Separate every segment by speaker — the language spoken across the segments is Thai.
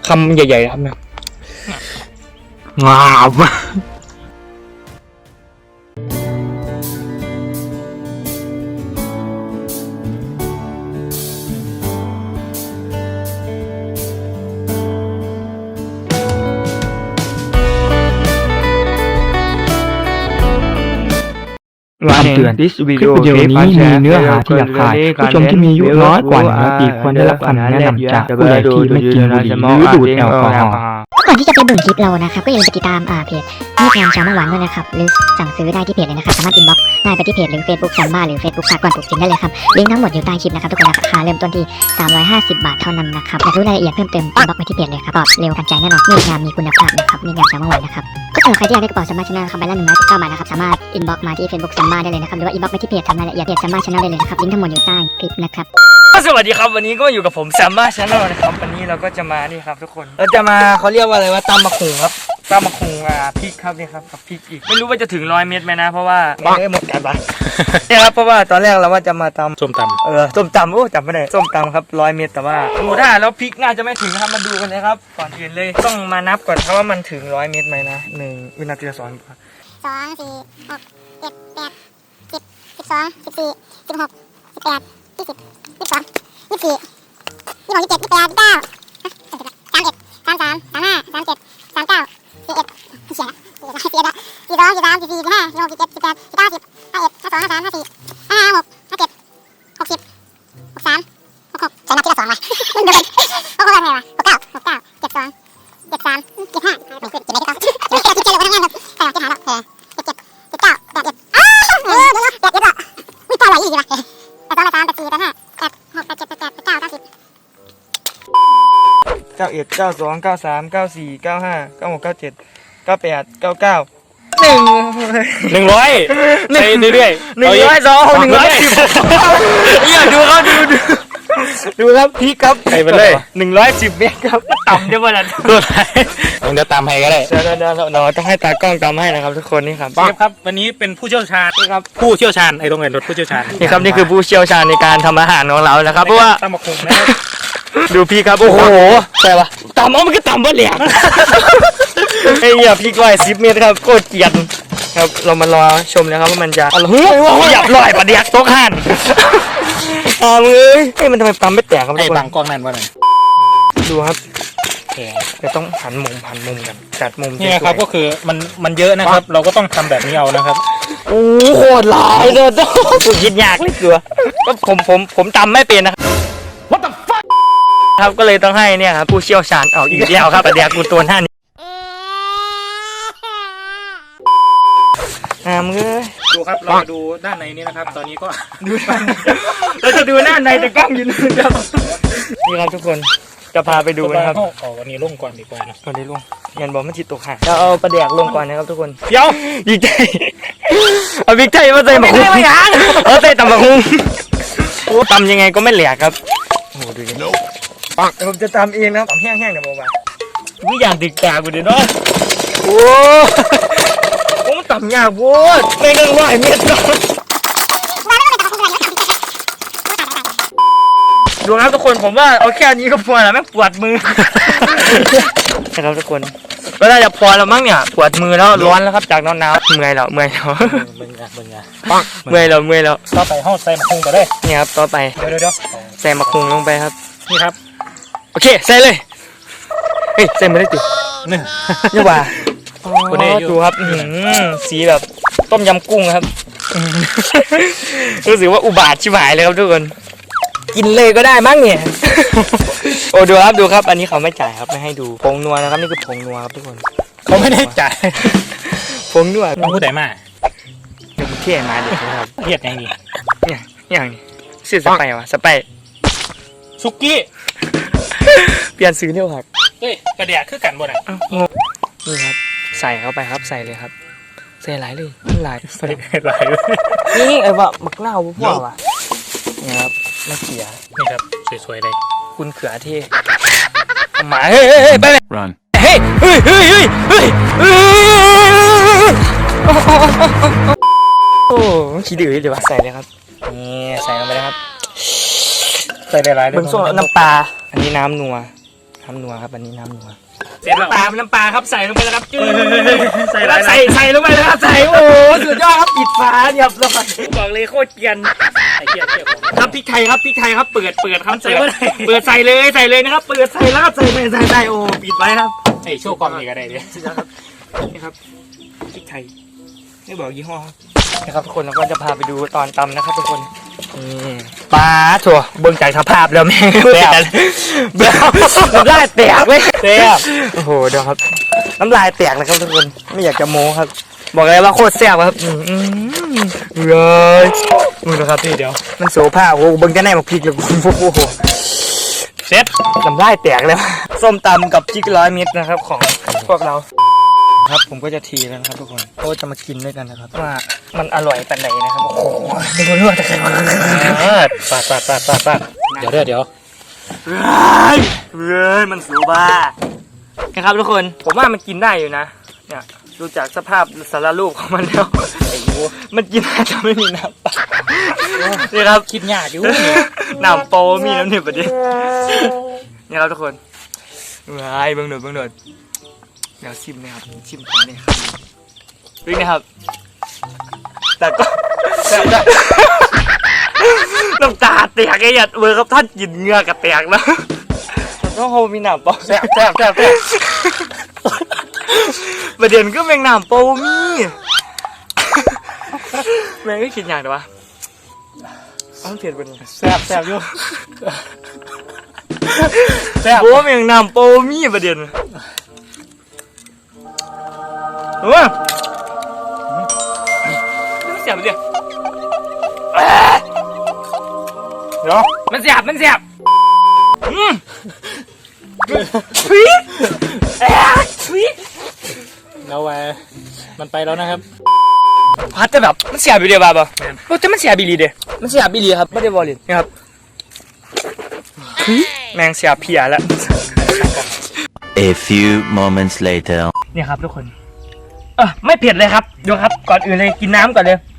Speaker 1: คำใหญ่ๆครับเนี่ยงาม
Speaker 2: คำเตือนคลิปวิดีโอนี้มีเนื้อหาที่หยาบคายผู้ชมที่มีอายุน้อยกว่า100 ปีควรได้รับคำแนะนำจากผู้ใหญ่ที่ไม่กินบุหรี่หรือดูดแอลกอฮอล์
Speaker 3: ก่อนที่จะไปเบิ่งคลิปเรานะครับก็อย่าลืมไปติดตามเพจนี่แทนชาวมะหวานด้วยนะครับหรือสั่งซื้อได้ที่เพจเลยนะครับสามารถอินบ็อกซ์ได้ไปที่เพจหรือ Facebook ซัมบ้าหรือ Facebook สากลปลูกจินได้เลยครับลิงก์ทั้งหมดอยู่ใต้คลิปนะครับทุกคนราคาเริ่มต้นที่350 บาทเท่านั้นนะครับอยากรู้รายละเอียดเพิ่มเติมอินบ็อกซ์ไปที่เพจเลยครับตอบเร็วทันใจแน่นอนมีงานมีคุณภาพนะครับมีงานชาวมะหวานนะครับก็สำหรับใครที่อยากได้กระเป๋าซัมบ้าชาแนลนะครับใบละ119 บาทนะครับสามารถอินบ็อกซ์มาที่ Facebook ซัมบ้าได้เลยนะครับหรือว่าอินบ็อกซ์ไปที่เพจทำรายละเอียดเพจซัมบ้าชาแนลได้เลยนะครับลิงก์ทั้งหมดอยู่ใต้คลิปนะครับ
Speaker 1: สวัสดีครับวันนี้ก็อยู่กับผมแซมบ้าชาแนลนะครับวันนี้เราก็จะมานี่ครับทุกคนเราจะมาเขาเรียกว่าอะไรว่าตำมะขุงครับตำมะขุงพริกครับนี่ครับกับพริกอีกไม่รู้ว่าจะถึง100 เม็ดไหมนะเพราะว่าไม่หมดกันปะเนี่ยครับเพราะว่าตอนแรกเราว่าจะมาตำส้มตำส้มตำโอ้จำไม่ได้ส้มตำครับ100 เม็ดแต่ว่าดูได้แล้วพริกน่าจะไม่ถึงนะครับมาดูกันเลยครับก่อนอื่นเลยต้องมานับก่อนเพราะว่ามันถึง100 เม็ดไหมนะ1 วินาทีละ2 2 4
Speaker 3: 6 7 8 10 12 14 16 18 20 22 24 26 27 28 29 31 33 35 37 39 41เสียละ42 43 44 45 46 47 48 49 50 51 52 53 54 55 56 57 60 63 66ใส่นับทีละ2เลยมันเดิน66อะไรวะ69 69 72 73 75ไม่ขึ้น7ไม่ได้ก็7เลยว่าทั้งงานครับใส่ที่หาแล้ว77 79 81อ้าวเดี๋ยวอุ๊ยปลาไหลอีกว่ะ82 83 84 85 86 87 88 89 90
Speaker 1: 91 92 93 94 95 96 97 98 99
Speaker 2: 100ไปเรื่อยๆ
Speaker 1: 102 110เนี่ยดูครับดูครับพี่ครับ
Speaker 2: ไปเลย
Speaker 1: 110 เมตรครับต่ำเดี๋ยววันนั้น
Speaker 2: ตัวไหนผมจะตามให้ก็ได้
Speaker 1: เดี๋ยวเราต้องให้ตากล้องตามให้นะครับทุกคนนี่ครับ
Speaker 2: เชฟครับวันนี้เป็นผู้เชี่ยวชาญครับผู้เชี่ยวชาญไอ้ตรงไหนรถผู้เชี่ยวชาญ
Speaker 1: นี่ครับนี่คือผู้เชี่ยวชาญในการทำอาหารของเราแล้วครับเพราะว่า
Speaker 2: ตำมะขุงนะครับ
Speaker 1: ดูพี่ครับโอ้โหใช่ปะต่ำมันก็ต่ำวะเนี่ยไอ้เหี้ยพี่110 เมตรครับโคตรเกลียดครับเรามารอชมนะครับว่ามันจะหยับลอยปะเดียกโต๊ะหันมือเฮ้ยมันทำไมปั๊มไม่แตกครับทุ
Speaker 2: ไอ้
Speaker 1: กคน
Speaker 2: บางกล้องนั่นว่าไง
Speaker 1: ดูครับจะต้องหันมุมกันจัดมุม
Speaker 2: นี่นะครับก็คือมันเยอะนะครับ เราก็ต้องทำแบบนี้เอานะครับ
Speaker 1: โอ้โหหลายเลยต้องคิดยากเลยเกลือก็ผมตำไม่เป็นนะครับ
Speaker 2: What the fuck
Speaker 1: ครับก็เลยต้องให้เนี่ยครับผู้เชี่ยวชาญเอาอีกแล้วครับปะเดียกกูตัวหน้านี้มึงเอ้ย
Speaker 2: ดูครับเรามาดูด้านในนี้นะครับ ตอนนี้ก็
Speaker 1: ดูเราจะดูหน้าในแต่กล้องยืนครับนี่ครับทุกคนจะพาไปดูนะครับ
Speaker 2: ออกวันนี้ลงก่อนดีกว่านะ
Speaker 1: ก่อนได้ลงยันบอกมันจิตตกห่างเราเอาประเดียกลงก่อนนะครับทุกคน
Speaker 2: เดี๋ยว
Speaker 1: ยิงใจเอาบิ๊กใจมาใส่หมกหุ้งเอาใส่ตำหมกหุ้งตำยังไงก็ไม่แหลกครับโอ้ดูดิปังผมจะตำเองนะตำแห้งๆเดี๋ยวบอกว่าทุกอย่างติดกากูเดี๋ยวเนาะโอ้ผมตำยากโว้ยไม่เงินว่าเม็ดดูครับทุกคนผมว่าเอาแค่นี้ก็พอแล้วแม่งปวดมือนะครับทุกคนก็น่าจะพอแล้วมั้งเนี่ยปวดมือแล้วร้อนแล้วครับจากหนาวเมื่อยแล้ว
Speaker 2: เบิ่งไง
Speaker 1: เมื่อยแล้ว
Speaker 2: ต่อไปห้องใส่มะขุงก็ได้
Speaker 1: นี่ครับต่อไป
Speaker 2: เดี๋ยว
Speaker 1: ใส่มะขุงลงไปครับ
Speaker 2: นี่ครับ
Speaker 1: โอเคใส่เลยเฮ้ยใส่ไม่ได้ตินี่ว่าดูครับสีแบบต้มยำกุ้งครับรู้สึกว่าอุบาทชิบหายเลยครับทุกคนกินเลยก็ได้มั้งเนี่ยโอ้ดูครับอันนี้เขาไม่จ่ายครับไม่ให้ดูผงนัวนะครับนี่คือผงนัวครับทุกคน
Speaker 2: เขาไม่ได้จ่าย
Speaker 1: ผงนัว
Speaker 2: ต้องพูดไหนมา
Speaker 1: เดี๋ยวเที่ยมาเด็กนะครับ
Speaker 2: เทียดยังดี
Speaker 1: เนี่ยอย่างนี้ซื้อสไปวะสไป
Speaker 2: ซุกี้
Speaker 1: เปลี่ยนซื้อเร็วครับ
Speaker 2: เฮ้ยกระเดียคือกันบ่น่ะ
Speaker 1: นี่ครับใส่เข้าไปครับใส่เลยครับใส่หลายเลยหลาย
Speaker 2: ใส่หลายเลย
Speaker 1: นี่ไอ้ว่ามักเน่าพวกว่ะนี่ครับมะเขือ
Speaker 2: นี่ครับสวยๆเลย
Speaker 1: คุณเขือเท่หมาเฮ้ยไปเลย
Speaker 4: Run
Speaker 1: เฮ้ยโอ้ขี้ดื้อเดี๋ยวใส่เลยครับนี่ใส่ลงไปเลยครับ
Speaker 2: ใส่หลายๆเลย
Speaker 1: เบื้องต้นน้ำปลาอันนี้น้ำนัวน้ำนัวครับอันนี้น้ำนัวเสร็จแล้วน้ำปลาครับใส่ลงไปแล้วครับจืดใส่ลงไปแล้วครับใส่โอ้สุดยอดครับปิดฝาเรียบร้อยบอกเลยโคตรเกรียนครับพริกไทยครับเปิดครับใส่เปิดใส่เลยนะครับเปิดใส่แล้วครับใส่โอ้ปิดไว้ครับ
Speaker 4: ไอ้โชว์กล้องนี่ก็ได้เนี่ย
Speaker 1: นี่ครับพริกไทยไม่บอกยี่ห้อครับนะครับทุกคนเราก็จะพาไปดูตอนตำนะครับทุกคนปลาถั่วเบิ่งใจสภาพแล้วแม่แตกน้ำลายแตกเลยแตกโอ้โหเดี๋ยวครับน้ำลายแตกเลยครับทุกคนไม่อยากจะโม้ครับบอกเลยว่าโคตรแซ่บครับเลยมือนะครับพี่เดี๋ยวมันโสภาพโอ้เบิ่งจะแน่มาพริกเลยโอ้โหเซ็ตน้ำลายแตกแล้วส้มตำกับจิก100 เม็ดนะครับของพวกเราครับผมก็จะทีแล้วนะครับทุกคนก็จะมากินด้วยกันนะครับว่ามันอร่อยปานไหนนะครับโอ้โหไม่รู้ว่าจะใคร
Speaker 4: ปาดเดี๋ยว
Speaker 1: มันสูบ้านะครับทุกคนผมว่ามันกินได้อยู่นะเนี่ยดูจากสภาพสารรูปของมันแล้วมันกินได้แต่ไม่มีน้ำปลานี่ครับคิดยากอยู่น้ำโปมีน้ำหนึ่งประเดี๋ยวนี่ครับทุกคนเบิ่งหน่อยเดี๋ยวชิมนะครับชิมก่อนนี่ครับวิ่งนะครับแต่ก็น้ำตาแตกไอ้ยัดเบอร์ครับท่านกินเงือกกระแตกแล้วต้องโฮมีหนามเปาแซ่บประเด็นก็แมงหนามเปามีแมงก็กินอย่างเดียววะเอาเผ็ดไปหน่อยแซ่บอยู่โอ้แมงหนามเปามีประเด็นมันเสียบเลยเดี๋ยวมันเสียบทวี
Speaker 4: แล้วมันไปแล้วนะครับ
Speaker 1: พัดจะแบบมันเสียบอยู่เดียวบ้าโอ้แต่มันเสียบีรีเดียมันเสียบีรีครับไม่ได้บอลลินนะครับแมงเสียบเพียแล้ว
Speaker 5: A few moments later
Speaker 1: เนี่ยครับทุกคนไม่เผ็ดเลยครับดูครับก่อนอื่นเลยกินน้ำก่อนเลย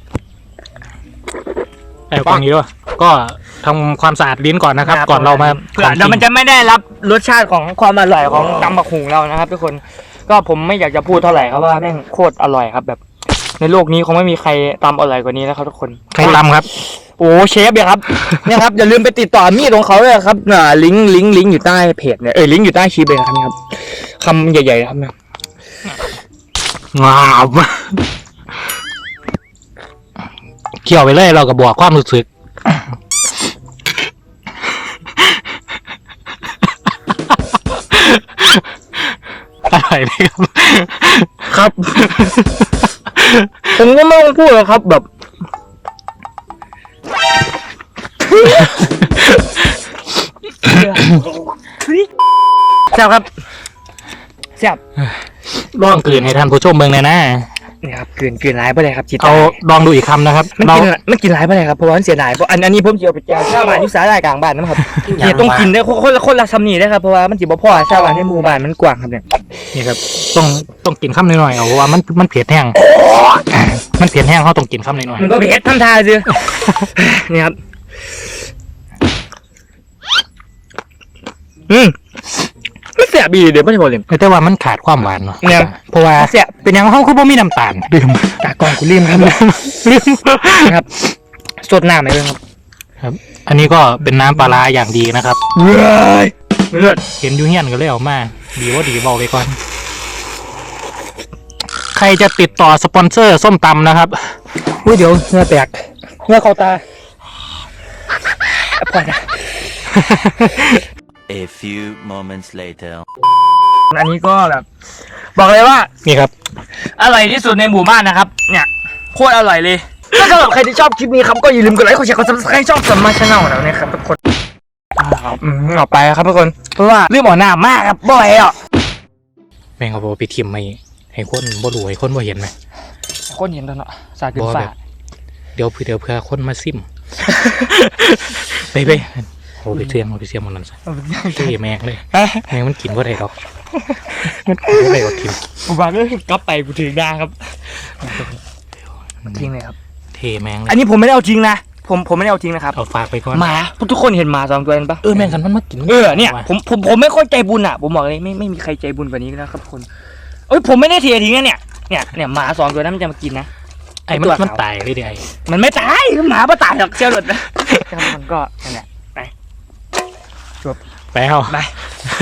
Speaker 4: กล้องนี้ด้วยก็ทำความสะอาดลิ้นก่อนนะครับก่อนเรามา
Speaker 1: เผื่อมันจะไม่ได้รับรสชาติของความอร่อยของตำบักหุ่งเรานะครับทุกคนก็ผมไม่อยากจะพูดเท่าไหร่ครับว่าแม่งโคตรอร่อยครับแบบในโลกนี้คงไม่มีใครตำอร่อยกว่านี้แล้วครับทุกคน
Speaker 4: ใครตำครับ
Speaker 1: โอ้เชฟเนี่ยครับเนี่ยครับอย่าลืมไปติดต่อมีดของเขาเลยครับลิงก์อยู่ใต้เพจเนี่ยลิงก์อยู่ใต้คลิปเลยครับนี่ครับคำใหญ่ๆครับเนี่ย
Speaker 4: งามเขี่ยวไปเลยเราก็บอกความรู้สึกอะไรเลย
Speaker 1: ครับผมก็ไม่ต้องพูดหรอกครับแบบแซ่บครับแซ่บ
Speaker 4: ลองกลืนให้ท่านผู้ชมเมืองเลยนะ
Speaker 1: นี่ครับกลืนร้ายไปเลยครับจิต
Speaker 4: เอาลองดูอีกคำนะครับ
Speaker 1: มันกินร้ายไปเลยครับเพราะว่ามันเสียดายเพราะอันนี้ผมเจียวไปแจกชาวบ้านยุสาได้กลางบ้านนะครับเนี่ยต้องกินได้คนละชำนีได้ครับเพราะว่ามันจีบพ่อชาวบ้านในหมู่บ้านมันกว้างครับเนี่ย
Speaker 4: นี่ครับต้องกินคำหน่อยๆเอาเพราะว่ามันเผ็ดแห้งมันเผ็ดแห้งเขาต้องกินคำหน่อย
Speaker 1: มันก็เผ็ดทำทาสินี่ครับไม่เสียบีเดี๋ยวไม่ได้บอกเลย
Speaker 4: แต่ว่ามันขาดความหวานเนาะ
Speaker 1: เนี่ย
Speaker 4: เพราะว่า
Speaker 1: เสีย
Speaker 4: เป็นอย่างเขาคือบ่มีน้ำตาลดื่ม
Speaker 1: ตากองกูลืมครับครับสดน้ำไหม
Speaker 4: ครับอันนี้ก็เป็นน้ำปลาอย่างดีนะครับ
Speaker 1: เลือด
Speaker 4: เห็นยูเฮียนก็เลยเอามาดีว่าดีบอกไปก่อนใครจะติดต่อสปอนเซอร์ส้มตำนะครับ
Speaker 1: อุ้ยเดี๋ยวเนื้อแตกเนื้อเข้าตาพอนะ
Speaker 5: A few moments later
Speaker 1: อันนี้ก็แบบบอกเลยว่า
Speaker 4: นี่ครับ
Speaker 1: อร่อยที่สุดในหมู่บ้านนะครับเนี่ยโคตรอร่อยเลยถ้าสำหรับใครที่ชอบคลิปนี้ครับก็อย่าลืมกดไลค์กดแชร์กด Subscribe ช่องสมมาชาแนลแล้วนะครับทุกคนออกไปครับทุกคนเพราะว่าเรื่องหมอหน้ามากครับบ่อยอ่ะ
Speaker 4: แม่งเขาบอกไปทิมให้คนบ่รู้ให้คนบ่เห็นไหม
Speaker 1: คนเห็นตอนเนาะสาดขึ้นฟ้า
Speaker 4: เดี๋ยวเพื่อคนมาซิมไปโอ้ไปเสียมมันนั่นซะแม่งเลยแม่งมันกินว่าไรหรอกมันกินว่าไรหรอกทิม
Speaker 1: ผมบอกเลยกลับไปกูถึงได้ครับทิ้งเลยครับ
Speaker 4: เทแมงเลย
Speaker 1: อันนี้ผมไม่ได้เอาจริงนะผมไม่ได้เอาทิ้งนะครับ
Speaker 4: เอาฝากไปก่อน
Speaker 1: หมาทุกคนเห็นหมา2 ตัวนั้นปะ
Speaker 4: แม่งกันมันมากิน
Speaker 1: เนี่ยผมไม่ค่อยใจบุญอ่ะผมบอกเลยไม่มีใครใจบุญกว่านี้นะครับคนผมไม่ได้เททิ้งนะเนี่ยหมา2 ตัวนั้นมันจะมากินนะ
Speaker 4: ไอ้มันตายเลยดิไอ้
Speaker 1: มันไม่ตายหมาไม่ตายหรอกเชี่ยวหลุดนะครับมันก็นั่นแหละ
Speaker 4: ไปเอา
Speaker 1: ไป